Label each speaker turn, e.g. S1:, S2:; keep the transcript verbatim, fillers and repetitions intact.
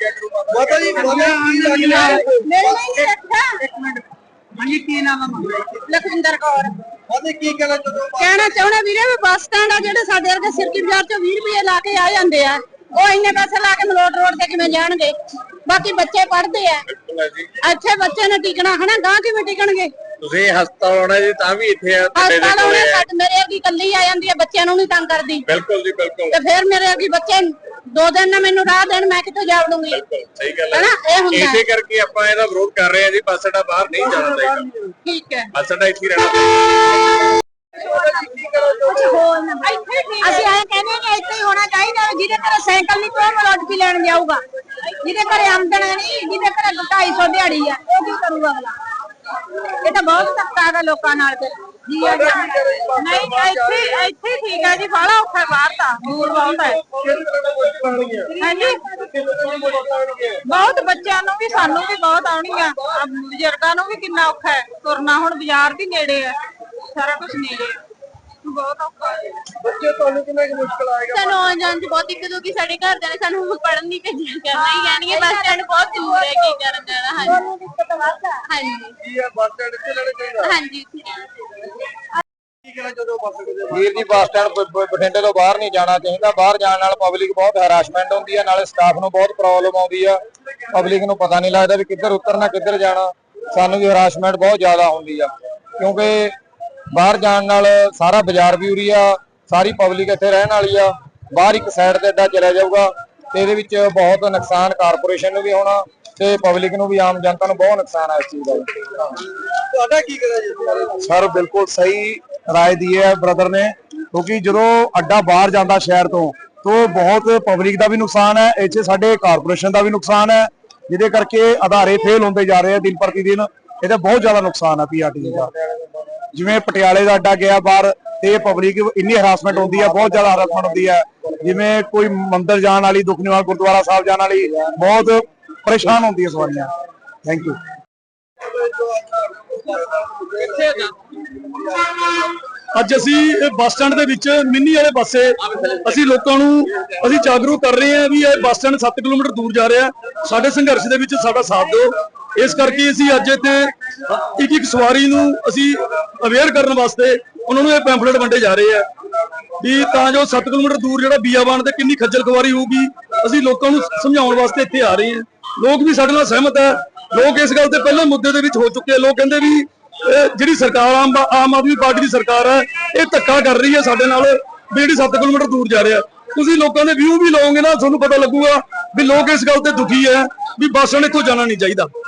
S1: ਮਾਤਾ ਜੀ
S2: ਮੇਰੇ ਨਹੀਂ ਰੱਖਾ
S1: ਹਾਂਜੀ ਕੀ ਨਾਮ ਹੈ?
S2: ਲਖਵਿੰਦਰ ਕੌਰ।
S1: ਮਾਤਾ ਕੀ ਕਹਿਣਾ ਚਾਹੁੰਦੇ?
S2: ਕਹਿਣਾ ਚਾਹੁੰਦੇ ਵੀਰੇ ਵੀ ਬੱਸ ਸਟੈਂਡ ਆ ਜਿਹੜੇ ਸਾਡੇ ਵਰਗੇ ਸਿਰਕੀ ਬਾਜ਼ਾਰ ਚੋਂ ਵੀਹ ਰੁਪਏ ਲਾ ਕੇ ਆ ਜਾਂਦੇ ਆ, ਉਹ ਇੰਨੇ ਪੈਸੇ ਲਾ ਕੇ ਮਲੋਟ ਰੋਡ ਤੇ ਕਿਵੇਂ ਜਾਣਗੇ? ਬਾਕੀ ਬੱਚੇ ਪੜ੍ਹਦੇ ਆ, ਇੱਥੇ ਬੱਚੇ ਨੇ ਟਿਕਣਾ ਹਨਾ, ਗਾਂ ਕਿਵੇਂ ਟਿਕਣਗੇ?
S3: ਤੁਸੀਂ ਹਸਪਤਾਲ ਆਉਣਾ ਜੀ ਤਾਂ ਵੀ ਇੱਥੇ ਆ,
S2: ਹਸਪਤਾਲ ਆਉਣੇ ਸਾਡੇ ਮੇਰੇ ਅੱਗੇ ਕੱਲੀ ਆ ਜਾਂਦੀ ਹੈ, ਬੱਚਿਆਂ ਨੂੰ ਨਹੀਂ ਤੰਗ ਕਰਦੀ।
S3: ਬਿਲਕੁਲ ਜੀ ਬਿਲਕੁਲ।
S2: ਤੇ ਫਿਰ ਮੇਰੇ ਅੱਗੇ ਬੱਚੇ ਦੋ ਦਿਨ ਨਾ ਮੈਨੂੰ ਰਾਹ ਦੇਣ, ਮੈਂ ਕਿੱਥੇ ਜਾ ਵੜੂੰਗੀ?
S3: ਸਹੀ ਗੱਲ ਹੈ, ਇਹ ਹੁੰਦਾ ਇਸੇ ਕਰਕੇ ਆਪਾਂ ਇਹਦਾ ਵਿਰੋਧ ਕਰ ਰਹੇ ਹਾਂ ਜੀ। ਬੱਸ ਅੱਡਾ ਬਾਹਰ ਨਹੀਂ ਜਾਣਾ ਚਾਹੀਦਾ।
S2: ਠੀਕ ਹੈ,
S3: ਬੱਸ ਅੱਡਾ ਇੱਥੇ ਰਹਿਣਾ ਚਾਹੀਦਾ।
S2: ਅਸੀਂ ਆਏ ਕਹਿੰਦੇ ਨੇ ਇੱਥੇ ਹੀ ਹੋਣਾ ਚਾਹੀਦਾ। ਜਿਹਦੇ ਘਰੇ ਸਾਈਕਲ ਨਹੀਂ ਕੋਈ ਮਲੋਟ ਵੀ ਲੈਣ ਜਾਊਗਾ, ਜਿਹਦੇ ਘਰੇ ਆਮਦਨ ਨਹੀਂ, ਜਿਹਦੇ ਘਰੇ ਢਾਈ ਸੌ ਦਿਹਾੜੀ ਆ, ਉਹ ਕੀ ਕਰੂਗਾ ਅਗਲਾ? ਇਹ ਤਾਂ ਬਹੁਤ ਧੱਕਾ ਹੈਗਾ ਲੋਕਾਂ ਨਾਲ। ਤੇ ਨਹੀਂ ਇੱਥੇ ਇੱਥੇ ਠੀਕ ਹੈ ਜੀ, ਬਾਹਲਾ ਔਖਾ ਬਾਹਰ ਤਾਂ ਦੂਰ ਬਹੁਤ ਹੈ। ਹਾਂਜੀ ਬਹੁਤ ਬੱਚਿਆਂ ਨੂੰ ਵੀ ਸਾਨੂੰ ਵੀ ਬਹੁਤ ਆਉਣੀਆਂ, ਬਜ਼ੁਰਗਾਂ ਨੂੰ ਵੀ ਕਿੰਨਾ ਔਖਾ ਹੈ ਤੁਰਨਾ। ਹੁਣ ਬਾਜ਼ਾਰ ਵੀ ਨੇੜੇ ਹੈ, ਸਾਰਾ ਕੁਝ ਨੇੜੇ ਹੈ, ਬਹੁਤ ਔਖਾ ਹੈ।
S1: ਬੱਚੇ ਤੁਹਾਨੂੰ ਕਿੰਨਾ ਕੁ ਮੁਸ਼ਕਲ ਆਏਗਾ?
S2: ਸਾਨੂੰ ਆਉਣ ਜਾਣ ਚ ਬਹੁਤ ਦਿੱਕਤ ਹੋਗੀ। ਸਾਡੇ ਘਰਦਿਆਂ ਨੇ ਸਾਨੂੰ ਪੜ੍ਹਨ ਨਹੀਂ ਭੇਜਿਆ, ਕਰਨਾ ਹੀ ਕਹਿਣਗੇ ਬੱਸ ਸਟੈਂਡ ਬਹੁਤ ਦੂਰ ਹੈ, ਕੀ ਕਰਨ ਜਾਣਾ। ਹਾਂਜੀ ਹਾਂਜੀ
S1: ਕੀ ਹੈ ਬੱਸ ਸਟੈਂਡ ਇੱਥੇ ਲੈਣਾ ਚਾਹੀਦਾ?
S2: ਹਾਂਜੀ
S1: ਕੀ ਕਹਿਣਾ ਚਾਹੁੰਦੇ ਹੋ ਬੱਸ ਦੇ?
S3: ਵੀਰ ਜੀ ਬੱਸ ਸਟੈਂਡ ਬਠਿੰਡੇ ਤੋਂ ਬਾਹਰ ਨਹੀਂ ਜਾਣਾ ਚਾਹੀਦਾ। ਬਾਹਰ ਜਾਣ ਨਾਲ ਪਬਲਿਕ ਬਹੁਤ ਹੈਰਾਸਮੈਂਟ ਹੁੰਦੀ ਹੈ, ਨਾਲੇ ਸਟਾਫ ਨੂੰ ਬਹੁਤ ਪ੍ਰੋਬਲਮ ਆਉਂਦੀ ਆ। ਪਬਲਿਕ ਨੂੰ ਪਤਾ ਨਹੀਂ ਲੱਗਦਾ ਵੀ ਕਿੱਧਰ ਉਤਰਨਾ ਕਿੱਧਰ ਜਾਣਾ। ਸਾਨੂੰ ਵੀ ਹੈਰਾਸਮੈਂਟ ਬਹੁਤ ਜ਼ਿਆਦਾ ਹੁੰਦੀ ਆ, ਕਿਉਂਕਿ ਬਾਹਰ ਜਾਣ ਨਾਲ ਸਾਰਾ ਬਾਜ਼ਾਰ ਵੀ ਉਰੀ ਆ, ਸਾਰੀ ਪਬਲਿਕ ਇੱਥੇ ਰਹਿਣ ਵਾਲੀ ਆ। ਬਾਹਰ ਇੱਕ ਸਾਈਡ ਤੇ ਅੱਡਾ ਚਲਾ ਜਾਊਗਾ ਤੇ ਇਹਦੇ ਵਿੱਚ ਬਹੁਤ ਨੁਕਸਾਨ ਕਾਰਪੋਰੇਸ਼ਨ ਨੂੰ ਵੀ ਹੋਣਾ ਤੇ ਪਬਲਿਕ ਨੂੰ ਵੀ, ਆਮ ਜਨਤਾ ਨੂੰ ਬਹੁਤ ਨੁਕਸਾਨ ਆ ਇਸ ਚੀਜ਼ ਦਾ।
S1: ਤੁਹਾਡਾ ਕੀ ਕਹਿਣਾ ਜੀ?
S4: ਸਰ ਬਿਲਕੁਲ ਸਹੀ ਰਾਏ ਦੀ ਹੈ ਬ੍ਰਦਰ ਨੇ, ਕਿਉਂਕਿ ਜਦੋਂ ਅੱਡਾ ਬਾਹਰ ਜਾਂਦਾ ਸ਼ਹਿਰ ਤੋਂ ਤਾਂ ਬਹੁਤ ਪਬਲਿਕ ਦਾ ਵੀ ਨੁਕਸਾਨ ਹੈ, ਇੱਥੇ ਸਾਡੇ ਕਾਰਪੋਰੇਸ਼ਨ ਦਾ ਵੀ ਨੁਕਸਾਨ ਹੈ, ਜਿਹਦੇ ਕਰਕੇ ਅਧਾਰੇ ਫੇਲ ਹੁੰਦੇ ਜਾ ਰਹੇ ਆ ਦਿਨ ਪ੍ਰਤੀ ਦਿਨ। ਇਹਦਾ ਬਹੁਤ ਜ਼ਿਆਦਾ ਨੁਕਸਾਨ ਹੈ ਪੀਆਰਟੀ ਦਾ। ਜਿਵੇਂ ਪਟਿਆਲੇ ਦਾ ਅੱਡਾ ਗਿਆ ਬਾਹਰ ਤੇ ਪਬਲਿਕ ਇੰਨੀ ਹਰਾਸਮੈਂਟ ਹੁੰਦੀ ਹੈ, ਬਹੁਤ ਜ਼ਿਆਦਾ ਹਰਾਸਮੈਂਟ ਹੁੰਦੀ ਹੈ। ਜਿਵੇਂ ਕੋਈ ਮੰਦਿਰ ਜਾਣ ਵਾਲੀ, ਦੁੱਖ ਨਿਵਾਰਨ ਗੁਰਦੁਆਰਾ ਸਾਹਿਬ ਜਾਣ ਵਾਲੀ ਬਹੁਤ ਪਰੇਸ਼ਾਨ ਹੁੰਦੀ ਹੈ ਸਵਾਰੀਆਂ। Thank you.
S5: ਅੱਜ ਅਸੀਂ ਬੱਸ ਸਟੈਂਡ ਦੇ ਵਿੱਚ ਮਿੰਨੀ ਵਾਲੇ ਪਾਸੇ ਅਸੀਂ ਲੋਕਾਂ ਨੂੰ ਅਸੀਂ ਜਾਗਰੂਕ ਕਰ ਰਹੇ ਹਾਂ ਵੀ ਇਹ ਬੱਸ ਸਟੈਂਡ ਸੱਤ ਕਿਲੋਮੀਟਰ ਦੂਰ ਜਾ ਰਿਹਾ। ਸਾਡੇ ਸੰਘਰਸ਼ ਦੇ ਵਿੱਚ ਸਾਡਾ ਸਾਥ ਦਿਓ। ਇਸ ਕਰਕੇ ਅਸੀਂ ਅੱਜ ਇੱਥੇ ਇੱਕ ਇੱਕ ਸਵਾਰੀ ਨੂੰ ਅਸੀਂ ਅਵੇਅਰ ਕਰਨ ਵਾਸਤੇ ਉਹਨਾਂ ਨੂੰ ਇਹ ਪੈਂਫਲੇਟ ਵੰਡੇ ਜਾ ਰਹੇ ਆ ਵੀ ਤਾਂ ਜੋ ਸੱਤ ਕਿਲੋਮੀਟਰ ਦੂਰ ਜਿਹੜਾ ਬੀਆਬਾਨ ਤੇ ਕਿੰਨੀ ਖੱਜਲ ਖਵਾਰੀ ਹੋਊਗੀ, ਅਸੀਂ ਲੋਕਾਂ ਨੂੰ ਸਮਝਾਉਣ ਵਾਸਤੇ ਇੱਥੇ ਆ ਰਹੇ ਹਾਂ। ਲੋਕ ਵੀ ਸਾਡੇ ਨਾਲ ਸਹਿਮਤ ਹੈ। ਲੋਕ ਇਸ ਗੱਲ ਤੇ ਪਹਿਲੇ ਮੁੱਦੇ ਦੇ ਵਿੱਚ ਹੋ ਚੁੱਕੇ ਆ। ਲੋਕ ਕਹਿੰਦੇ ਵੀ ਜਿਹੜੀ ਸਰਕਾਰ ਆਮ ਆਮ ਆਦਮੀ ਪਾਰਟੀ ਦੀ ਸਰਕਾਰ ਹੈ, ਇਹ ਧੱਕਾ ਕਰ ਰਹੀ ਹੈ ਸਾਡੇ ਨਾਲ ਵੀ ਜਿਹੜੀ ਸੱਤ ਕਿਲੋਮੀਟਰ ਦੂਰ ਜਾ ਰਿਹਾ। ਤੁਸੀਂ ਲੋਕਾਂ ਦੇ ਵਿਊ ਵੀ ਲਓਗੇ ਨਾ, ਤੁਹਾਨੂੰ ਪਤਾ ਲੱਗੂਗਾ ਵੀ ਲੋਕ ਇਸ ਗੱਲ ਤੇ ਦੁਖੀ ਹੈ ਵੀ ਬੱਸ ਸਟੈਂਡ ਇੱਥੋਂ ਜਾਣਾ ਨਹੀਂ ਚਾਹੀਦਾ।